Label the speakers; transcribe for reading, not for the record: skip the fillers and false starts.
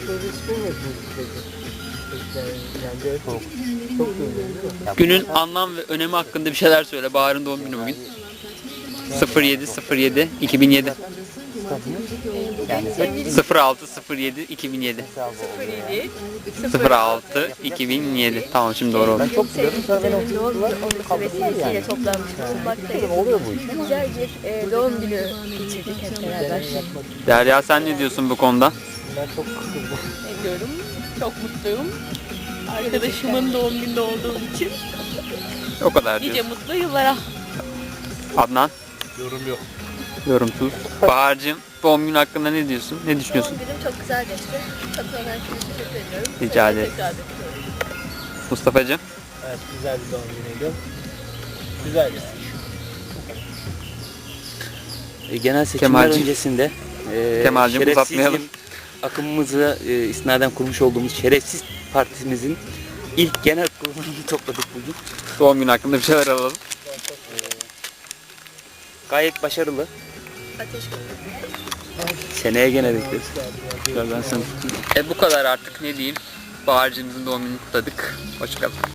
Speaker 1: böyle spor mu yapıyorsunuz peki? Yani böyle çok güzel değil mi?
Speaker 2: Günün anlam ve önemi hakkında bir şeyler söyle. Bahar'ın doğum günü bugün. 07.07.2007.
Speaker 1: Yani
Speaker 2: 06.07.2007. 06.2007. Tamam, şimdi doğru oldu.
Speaker 1: ben çok biliyorum. Sonra beni
Speaker 3: Sevgilimin doğum günü olması vesilesiyle toplanmış bulunmaktayız.
Speaker 1: oluyor bu iş.
Speaker 3: Güzel bir doğum günü geçirdik hep beraber.
Speaker 2: Derya, sen ne diyorsun bu konuda?
Speaker 1: Ben çok kıskırdım.
Speaker 4: Ne diyorum? Çok mutluyum. Arkadaşımın doğum günü olduğum için
Speaker 2: O kadar
Speaker 4: nice
Speaker 2: diyorsun.
Speaker 4: mutlu yıllara.
Speaker 2: Adnan?
Speaker 1: Yorum yok.
Speaker 2: Yorumsuz. Bahar'cığım, doğum günü hakkında ne diyorsun? Ne düşünüyorsun?
Speaker 3: Doğum günüm çok güzel geçti. Katılan herkese teşekkür ediyorum.
Speaker 2: Rica ederim.
Speaker 3: Tekrar bekliyorum.
Speaker 2: Mustafa'cığım?
Speaker 1: Evet, güzel bir doğum günüydü. Güzel bir
Speaker 5: Genel seçimler
Speaker 2: Kemalciğim.
Speaker 5: öncesinde
Speaker 2: Kemalciğim,
Speaker 5: şerefsizim
Speaker 2: uzatmayalım.
Speaker 5: akımımıza isnaden kurmuş olduğumuz şerefsiz partimizin ilk genel kurulunu topladık bugün.
Speaker 2: Doğum günü hakkında bir şeyler alalım.
Speaker 5: Gayet başarılı.
Speaker 3: Ateş
Speaker 5: Seneye gene bekleriz. Ben sana
Speaker 2: Bu kadar artık, ne diyeyim. Bahar'cığımızın doğum gününü kutladık. Hoşçakalın.